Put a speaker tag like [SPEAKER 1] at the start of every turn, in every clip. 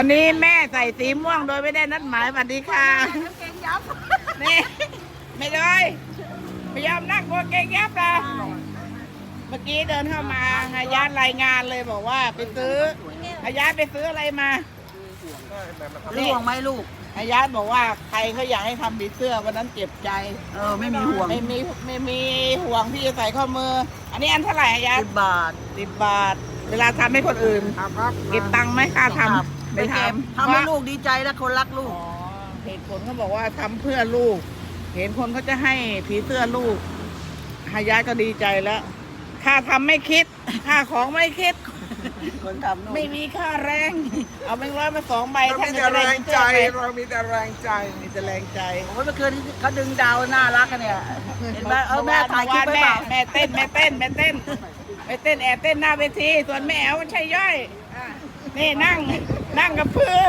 [SPEAKER 1] วันนี้แม่ใส่สีม่วงโดยไม่ได้นัดหมายสวัสดีค่ะนี่ไม่เลยไม่ยอมนั่งกลัวเก่งยับเลยเมื่อกี้เดินเข้ามาอาญารายงานเลยบอกว่าไปซื้ออาญาไปซื้ออะไรมา
[SPEAKER 2] ห่วงไหมลูก
[SPEAKER 1] อาญาบอกว่าใครเขาอยากให้ทำผีเสื้อวันนั้นเจ็บใจ
[SPEAKER 2] ไม่มีห่วง
[SPEAKER 1] ไม่มีห่วงที่จะใส่ข้อมือ อันนี้อันเท่าไหร่อาญา
[SPEAKER 2] 10 บาท
[SPEAKER 1] 10 บาท เวลาทำให้คนอื่นเก็บตังค์ไหมค่าทำไม่ทำ
[SPEAKER 2] ทำให้ลูกดีใจและคนรักลูก
[SPEAKER 1] เหตุผลเขาบอกว่าทำเพื่อลูก เห็นคนเขาจะให้ผีเสื้อลูกหายายก็ดีใจแล้วค่าทำไม่คิดค่าของไม่คิด
[SPEAKER 2] คนทำ
[SPEAKER 1] ไม่มีค่าแรง เอาแบงค์ร้อยมา2 ใบ
[SPEAKER 3] เรามีแต่แรงใจเรามีแต่แรงใจ
[SPEAKER 1] มีแต่แรงใจ
[SPEAKER 2] โอ้ยเมื่อคืนเขาดึงดาวน่ารักกันเนี่ยเห็นไหมแม่ถ่ายคลิปไว้เปล่า
[SPEAKER 1] แม่เต้นแอบเต้นหน้าเวทีส่วนแม่แอ๋วมันใช่ย่อยนี่นั่งกับเพื่อ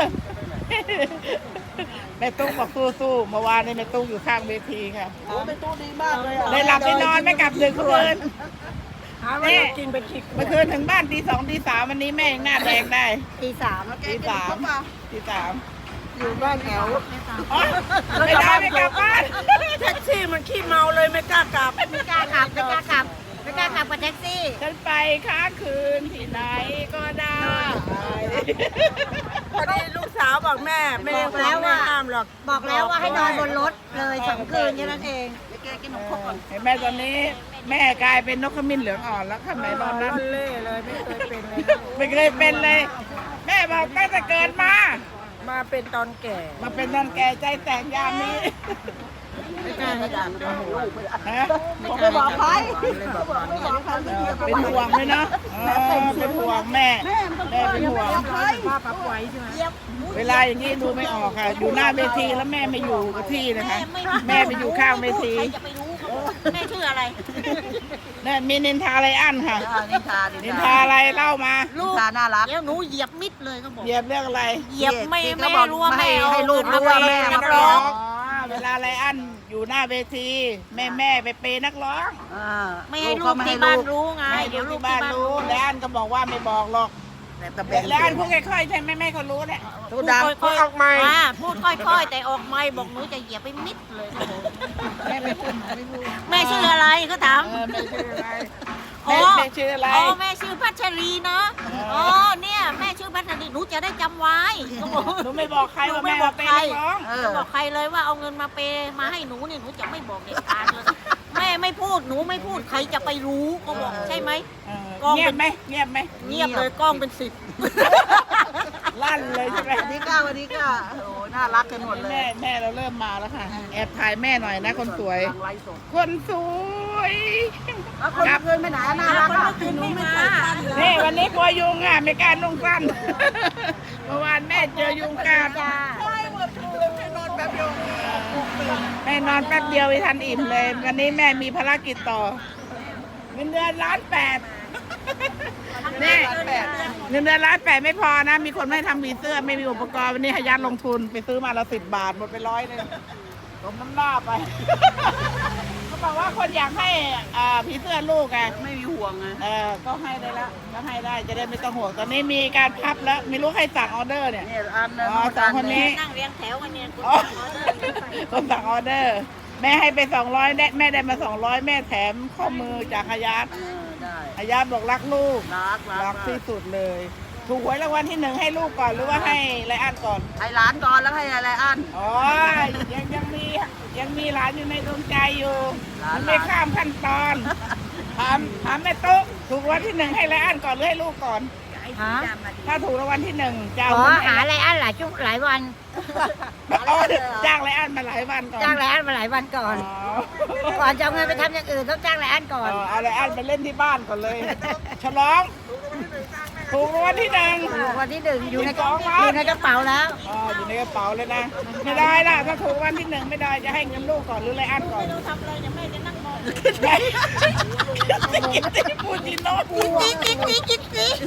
[SPEAKER 1] แม่ตุ๊กบอกสู้ๆเมื่อวานนี้แม่ตุ๊กอยู่ข้างเวทีค่ะ
[SPEAKER 2] โอ้เป็นตู้ดีมากเลย
[SPEAKER 1] ได้หลับได้นอนไม่กลับดึกคืน
[SPEAKER 2] นี่กินไปคิด
[SPEAKER 1] เมื่อคืนถึงบ้านตี 2 ตี 3วันนี้แม่ยังหน้าแดงได้
[SPEAKER 2] ตี 3แล้ว
[SPEAKER 1] ตี 3
[SPEAKER 2] อยู่บ้านแถว
[SPEAKER 1] อ๋อไม่ได้ไม่กลับบ้าน
[SPEAKER 2] แท็กซี่มันขี้เมาเลยไม่กล้ากลับ
[SPEAKER 4] ไม่กล้าขับกับแท็กซี่
[SPEAKER 1] ฉันไปค้างคืนที่ไหนก็ได้
[SPEAKER 2] พอดีลูกสาวบอกแม่ไม่ได้ห้ามหรอก
[SPEAKER 4] บอกแล้วว่าให้นอนบนรถเลย2 คืนแค่นั้นเอง
[SPEAKER 2] แกกินนมข้นก่อน
[SPEAKER 1] เห็นแม่ตอนนี้แม่กลายเป็นนกขมิ้นเหลืองอ่อนแล้วค่ะแม่ตอนนั้น
[SPEAKER 2] เล่เลยไม่เคยเป็นเลย
[SPEAKER 1] ไม่เคยเป็นเลย แม่บอกตั้งแต่เกิดมา
[SPEAKER 2] มาเป็นตอนแก่
[SPEAKER 1] มาเป็นตอนแก่ใจแตกยามนี้
[SPEAKER 2] ไม่กล้าให้ดังโอ้โห
[SPEAKER 1] ฮะ
[SPEAKER 2] ผมไม่บอกใครเลยบอกตอนนี้
[SPEAKER 1] เป็นห่วงเลยเนาะเป็นห่วงแม่เป็นห่วง
[SPEAKER 2] ป้าปั๊บไว้ใช่ไหม
[SPEAKER 1] เวลาอย่างนี้ดูไม่ออกค่ะ อยู่หน้าเวทีแล้วแม่ไม่อยู่กับที่นะคะ แม่ไปอยู่ข้างเวที
[SPEAKER 4] ใครจะไปรู้แม่ชื่ออะไร
[SPEAKER 1] เนี่ยมีนินทาไรอันค่ะ นินทา
[SPEAKER 2] า
[SPEAKER 1] อะไรเล่ามา
[SPEAKER 2] ลูกน่ารัก
[SPEAKER 4] เดี๋ยวหนูเหยียบมิดเลยก็บอก
[SPEAKER 1] เหยียบเรื่องอะไร
[SPEAKER 4] เหยียบไม่
[SPEAKER 2] ที่
[SPEAKER 4] แม่
[SPEAKER 2] เขาบอก
[SPEAKER 4] รู้ว่าแม่
[SPEAKER 2] ให้ลูกรู้ว่าแม่มา
[SPEAKER 4] นัก
[SPEAKER 2] ร้
[SPEAKER 4] ร้
[SPEAKER 2] อ
[SPEAKER 4] อง ง
[SPEAKER 1] เวลาไรอันอยู่หน้าเวที แม่ไปเปย์นักร้อง
[SPEAKER 4] ไม่ให้ลูกที่บ้านรู้ไง
[SPEAKER 1] ไม่
[SPEAKER 4] เดี๋ยวลู
[SPEAKER 1] ที่
[SPEAKER 4] ก
[SPEAKER 1] บ้า
[SPEAKER 4] ที่
[SPEAKER 1] น
[SPEAKER 4] บ้าน
[SPEAKER 1] รู้
[SPEAKER 4] รู้
[SPEAKER 1] แล้วอันก็บอกว่าไม่บอกหรอก แล้วอันพูดค่อยๆใช่ไหมแม่เขารู้แหละ
[SPEAKER 2] ตูดัง
[SPEAKER 4] ค่อย
[SPEAKER 3] ออกไม่
[SPEAKER 4] พูดค่อยๆ แต่ออกไม่บอกหนูจะเหยียบไปมิดเลยก็บอก
[SPEAKER 1] แม่ไม่พูดไม่พูด
[SPEAKER 4] แม่ชื่ออะไรเขาถาม
[SPEAKER 1] แม่ชื่ออะไร
[SPEAKER 4] อ๋อ
[SPEAKER 1] แม่ชื่ออะไร
[SPEAKER 4] อ๋อแม่ชื่อพัชรีนะอ๋อเนี่ยแม่ชื่อพัชรีหนูจะได้จำไว้ก็บอก
[SPEAKER 1] หนูไม่บอกใครว่าแม่มาเปย์นักร้อง
[SPEAKER 4] จะบอกใครเลยว่าเอาเงินมาเปย์มาให้หนูเนี่ยหนูจะไม่บอกเด็ดขาดเลยแม่ไม่พูดหนูไม่พูดใครจะไปรู้ก็บอกใช่ไหม
[SPEAKER 1] เงียบไหมเงียบไหม
[SPEAKER 4] เงียบเลยกล้องเป็น10
[SPEAKER 1] ลั่นเลยใช่ไหม
[SPEAKER 2] วันนี้ก็โอ้น่ารักกันหมดเลย
[SPEAKER 1] แม่เราเริ่มมาแล้วค่ะ แอบถ่ายแม่หน่อยนะคนสวย
[SPEAKER 2] ทางไลฟ์สด
[SPEAKER 1] คนสวย
[SPEAKER 2] แล้วคนเพื่อนไม่หนาน่ารักอ่ะคือหนูไม่ใส่สั้นเลย
[SPEAKER 1] นี่วันนี้กลัวยุงอ่ะไม่กล้านุ่งสั้น เมื่อวานแม่เจอยุงกัด
[SPEAKER 4] จ้า
[SPEAKER 1] แม่นอนแป๊บเดียวไม่ทันอิ่มเลย วันนี้แม่มีภารกิจต่อเงินเดือน1,800,000นี่เงินเดือน1,800,000ไม่พอนะ มีคนไม่ให้ทำผีเสื้อไม่มีอุปกรณ์วันนี้ให้ยัดลงทุนไปซื้อมาละ10 บาทหมดไป100เลยลมน้ำหน้าไป เขาบอกว่าคนอยากให้ผีเสื้อลูกไง
[SPEAKER 2] ไม่มีห่วงไง
[SPEAKER 1] ก็ให้ได้แล้วก็ให้ได้จะได้ไม่ต้องห่วงตอนนี้มีการพับแล้วไม่รู้ใครสั่งออเดอร์เนี่ย
[SPEAKER 2] เนี่ยอันนึง
[SPEAKER 1] อ๋อสองคนนี้
[SPEAKER 4] นั่งเรียงแถวกันเนี่ย
[SPEAKER 1] อ๋อคนสั่งออเดอร์ แม่ให้ไป200แม่ได้มา200แม่แถมข้อมือจากอายัด
[SPEAKER 2] ได้
[SPEAKER 1] อายัดบอกรักลูก
[SPEAKER 2] รัก
[SPEAKER 1] ที่สุดเลย ถูกหวยรางวัลที่1ให้ลูกก่อนหรือว่าให้ไรอันก่อน
[SPEAKER 2] ให้ร้านก่อนแล้วให้อะไรอัน
[SPEAKER 1] อ๋อยังมีหลานอยู่ในดวงใจอยู่
[SPEAKER 2] หลาน
[SPEAKER 1] มันไม่ข้ามขั้นตอนถามแม่ตุ๊กถูกรางวัลที่1ให้ไรอันก่อนหรือให้ลูกก่อน
[SPEAKER 4] ฮะ
[SPEAKER 1] ถ้าถูกรางวัลที่1จะเอา
[SPEAKER 4] ขอ
[SPEAKER 1] เงิน
[SPEAKER 4] หา
[SPEAKER 1] ให้
[SPEAKER 4] อะไรอันหลายชุกหลายวัน
[SPEAKER 1] อ๋อจ้างไรอันมาหลายวันก่อน
[SPEAKER 4] จ้างไรอันมาหลายวันก่อน ก่อนจะเอาเงินไปทำอย่างอื่นต้องจ้างไรอันก่อน
[SPEAKER 1] เอาไรอันไปเล่นที่บ้านก่อนเลย ฉลองถูกรางวัลที่1
[SPEAKER 4] วันที่1อยู่ในก
[SPEAKER 1] ส
[SPEAKER 4] ระ
[SPEAKER 1] องล้าน
[SPEAKER 4] อยู่ในกระเป๋าแล้ว
[SPEAKER 1] อยู่ในกระเป๋าเลยนะ ไม่ได้ล่ะถ้าถูกรางวัลที่1ไม่ได้จะให้เงินลูกก่อนหรือไรอันก่อน
[SPEAKER 4] ทำอะไรเดี๋ยวแม่จะนั่งมอง
[SPEAKER 1] แม่พูดจีโน่พูด
[SPEAKER 4] จิ๊ก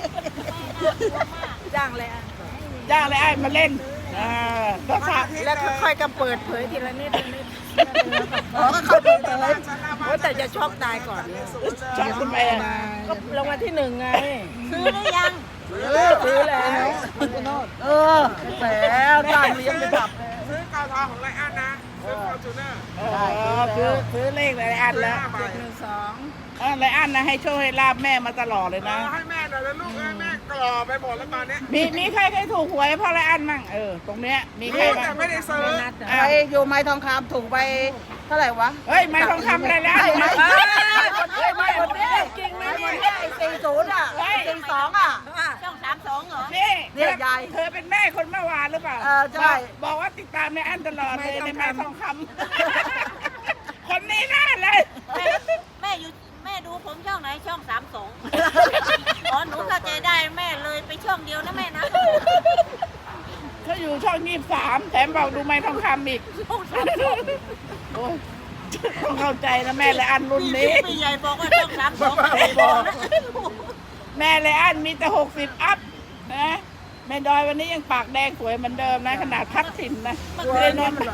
[SPEAKER 2] จ้างเลยอัน
[SPEAKER 1] จ้างไรอันมาเล่นก็ค่ะ
[SPEAKER 2] แล้วค่อยๆก็เปิดเผยทีละนิดอ๋อก็เขาเปิดเผยแต่จะช็อกตายก่อน
[SPEAKER 1] ชอบคุณแม่
[SPEAKER 2] ก็รางวัลที่1ไง
[SPEAKER 4] ซื้อหรือยัง
[SPEAKER 2] ซซื้อแล้วเออแหมจ้างเลี้ยงไปขับ
[SPEAKER 3] ซื้อกาวทองของไรอันนะ ซื้อฟอร์จูเนอร์
[SPEAKER 1] ซื้อเลขไรอันแล้ว
[SPEAKER 3] 5 ใบ
[SPEAKER 1] ไรอันนะให้โชคให้ลาบแม่มาตลอดเลยนะ
[SPEAKER 3] ให้แม่หน่อยแล้วลูกแม่กรอไปหมดแล้วตอนนี้
[SPEAKER 1] มีใครเคยถูกหวยเพราะไรอันมั่งตรงเนี้ยมีใคร
[SPEAKER 3] รู้
[SPEAKER 1] บ้า
[SPEAKER 3] แต่
[SPEAKER 1] ง
[SPEAKER 3] ไม่ได้ซื้อ
[SPEAKER 2] ไอ้อยู่ไม้ทองคำถูกไปเท่าไหร่วะ
[SPEAKER 1] เฮ้ยไม่ทองคำอะไรแล้ว
[SPEAKER 2] ไม่หมดนี่จริงไหมเนี่ยไอ้40อ่ะ42อ่ะ
[SPEAKER 4] ช่อง32เหรอ
[SPEAKER 1] นี่
[SPEAKER 2] เนี่ยยาย
[SPEAKER 1] เธอเป็นแม่คนเมื่อวานหรือเปล่า
[SPEAKER 2] ใช่
[SPEAKER 1] บอกว่าติดตามในอันตลอดเลยในไม้ทองคำคนนี้น่าเลย
[SPEAKER 4] แม่ดูผมช่องไหนช่อง32อ๋อหนูเข้าใจได้แม่เลยไปช่องเดียวนะแม่นะ
[SPEAKER 1] เขาอยู่ช่อง23แถมบอกดูไม้ทองคำอีก
[SPEAKER 4] ช่อง
[SPEAKER 1] โอ้ยต้องเข้าใจนะแม่และอันรุ่นนี้
[SPEAKER 4] พี่ใหญ่บอกว่าช่อง32ไม่บอกนะ
[SPEAKER 1] แม่และอันมีแต่60อัพนะแม่ดอยวันนี้ยังปากแดงสวยเหมือนเดิมนะขนาดพักถิ่นนะไม่ได้นอน
[SPEAKER 4] เมื่อ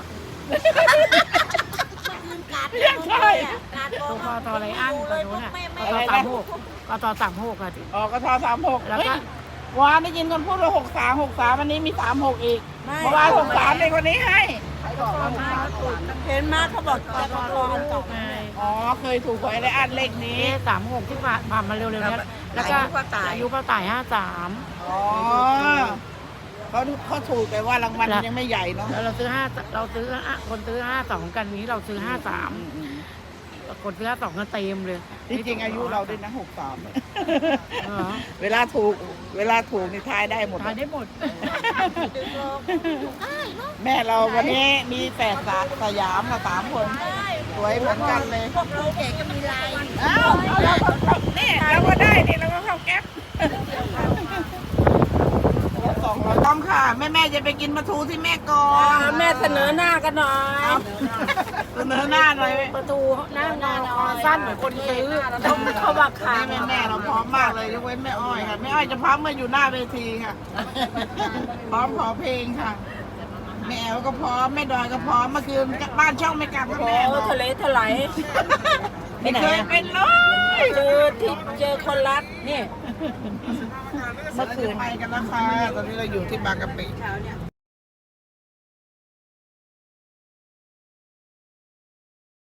[SPEAKER 4] คืนกาดกาดบอกว่าตอนไรอันเลยบอกแม่ไม่
[SPEAKER 1] อะไรนะ
[SPEAKER 2] ก็ต่อ36อ่ะ
[SPEAKER 1] ออกกท36แล้วก็วานได้ยินคนพูดว่า63วันนี้มี36อีกเมื่อวาน63เลยคนนี้ให้
[SPEAKER 2] เห็นมาเขาบอกจะรออันต่อไง
[SPEAKER 1] อ๋อเคยถูกหวยและอันเลขนี้
[SPEAKER 2] 36ที่ผ่านมาเร็วๆนี้แล้วก็อายุป้าต่าย53
[SPEAKER 1] อ๋อเขาถูกแต่ว่ารางวัลยังไม่ใหญ่เนาะ
[SPEAKER 2] แล้วเราซื้อคนซื้อ52กันนี้เราซื้อ53คนซื้อ52ก็เต็มเลย
[SPEAKER 1] ที่จริงอายุเราด้วยนะ63
[SPEAKER 2] เหรอ
[SPEAKER 1] เวลาถูกนี่ทายได้หมด
[SPEAKER 2] ทานได้หมด
[SPEAKER 1] แม่เราวันนี้มีแฝดสยามค่ะ3 คนสวยเหมือนกันเลย
[SPEAKER 4] พวกเราเด็กก็มีลาย
[SPEAKER 1] อ้าวนี่เราก็ได้นี่เราก็เข้าแก๊ป200ต้องค่ะแม่จะไปกินปลาทูที่แม่ก่อน
[SPEAKER 2] แม่เสนอหน้ากันหน่อย
[SPEAKER 1] เสนอหน้าหน่อย
[SPEAKER 2] ประตูหน้างานสั้นเหมือนคนซื้อเขาบัก
[SPEAKER 1] วั
[SPEAKER 2] ขาน
[SPEAKER 1] นี้แม่เราพร้อมมากเลยยกเว้นแม่อ้อยค่ะแม่อ้อยจะพร้อมมาอยู่หน้าเวทีค่ะ พร้อมขอเพลงค่ะแม่แอลก็พร้อมแม่ดอยก็พร้อมเมื่อคืนบ้านช่องไม่กลับกับแม่บอก
[SPEAKER 2] ทะเลถลาย
[SPEAKER 1] ไม่เคยเป็นเลย
[SPEAKER 2] เจอคนรักนี่
[SPEAKER 1] เมื่อคืนไปกันแล้วค่ะตอนนี้เราอยู่ที่บางกะปิ